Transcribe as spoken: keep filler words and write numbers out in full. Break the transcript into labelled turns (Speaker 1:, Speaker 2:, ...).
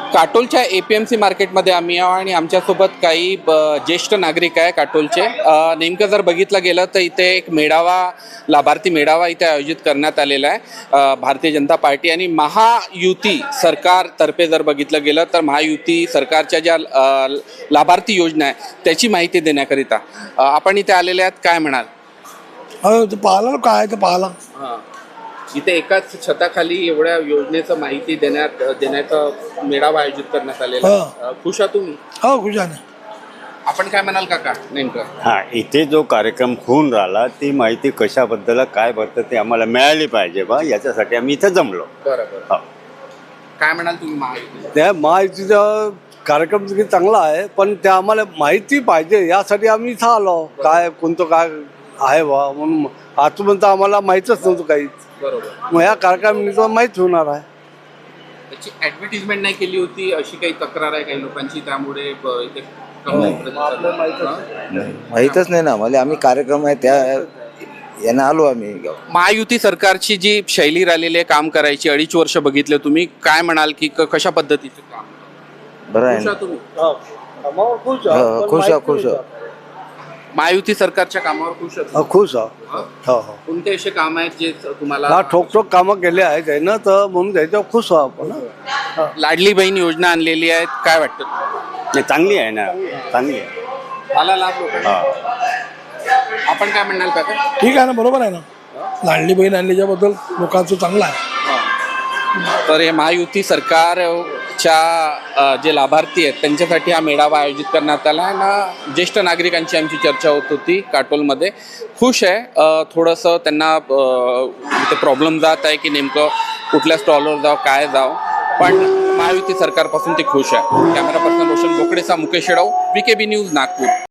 Speaker 1: काटोलच्या A P M C मार्केटमध्ये आम्ही आहो आणि आमच्यासोबत काही ज्येष्ठ नागरिक आहे काटोलचे. नेमकं जर बघितलं गेलं तर इथे एक मेळावा, लाभार्थी मेळावा इथे आयोजित करण्यात आलेला आहे. भारतीय जनता पार्टी आणि महायुती सरकारतर्फे जर बघितलं गेलं तर महायुती सरकारच्या ज्या लाभार्थी योजना आहे त्याची माहिती देण्याकरिता आपण इथे आलेले आहात. काय म्हणाल?
Speaker 2: पाहिला काय ते पाहिला
Speaker 1: हां, इथे एकाच छताखाली एवढ्या योजनेचं माहिती देण्यात देण्याचा मेळावा आयोजित करण्यात आलेला आहे. खुश आहात तुम्ही?
Speaker 2: हो खुश आहे.
Speaker 1: आपण काय म्हणाल काका नेमकं?
Speaker 3: हा, इथे जो कार्यक्रम होऊन राहिला ती माहिती कशाबद्दल काय बद्दल ते आम्हाला मिळाली पाहिजे बा, याच्यासाठी आम्ही इथे जमलो.
Speaker 1: बरोबर. काय म्हणाल तुम्ही महायुती?
Speaker 4: त्या माहितीचा कार्यक्रम चांगला आहे, पण त्या आम्हाला माहिती पाहिजे यासाठी आम्ही इथं आलो. काय कोणतं काय आहे बा म्हणून आजपर्यंत आम्हाला माहीतच नव्हतं काहीच.
Speaker 1: बरोबर.
Speaker 4: मग या कार्यक्रमात माहीत होणार आहे.
Speaker 1: त्याची ऍडव्हर्टिजमेंट नाही केली होती अशी काही तक्रार आहे काही लोकांची, त्यामुळे ब- इथे कमी प्रतिसाद आहे.
Speaker 5: माहीतच नाही ना मला. आम्ही कार्यक्रम आहे त्या यांना आलो आम्ही.
Speaker 1: महायुती सरकारची जी शैली राहिलेली आहे काम करायची, अडीच वर्ष बघितले तुम्ही, काय म्हणाल की क- कशा पद्धतीचं काम?
Speaker 5: बरं आहे
Speaker 1: खुश
Speaker 5: ना.
Speaker 1: आहात तुम्ही?
Speaker 4: खुश
Speaker 5: हो, खुश आहे खुश आहे.
Speaker 1: महायुती सरकारच्या कामावर खुश आहात?
Speaker 4: हो, खुश आहो.
Speaker 1: हं?
Speaker 4: हो हो
Speaker 1: कोणते असे काम आहेत जे तुम्हाला?
Speaker 4: हा, ठोक ठोक कामं केले आहेत त्यानं, तर म्हणून त्याच्यावर खुश आहो आपण. हं.
Speaker 1: लाडली बहीण योजना आणलेली आहे, काय वाटतं?
Speaker 3: नाही, चांगली आहे ना, चांगली आहे.
Speaker 1: आला लाभ लोकांना? आपण काय म्हणाल काका?
Speaker 2: ठीक आहे ना, बरोबर आहे ना. लाडली बहीण आणल्याच्याबद्दल लोकांचं चांगलं आहे.
Speaker 1: तर हे महायुती सरकारच्या अ, जे लाभार्थी आहेत त्यांच्यासाठी हा मेळावा आयोजित करण्यात आला आहे ना. ज्येष्ठ नागरिकांची आमची चर्चा होत होती काटोलमध्ये. खुश आहे. अ, थोडंसं त्यांना अ, इथे प्रॉब्लेम जात आहे की नेमकं कुठल्या स्टॉलवर जावं काय जावं, पण महायुती सरकारपासून ते खुश आहे. कॅमेरा पर्सन रोशन बोकडेचा Mukesh Shedav, V K B news, Nagpur.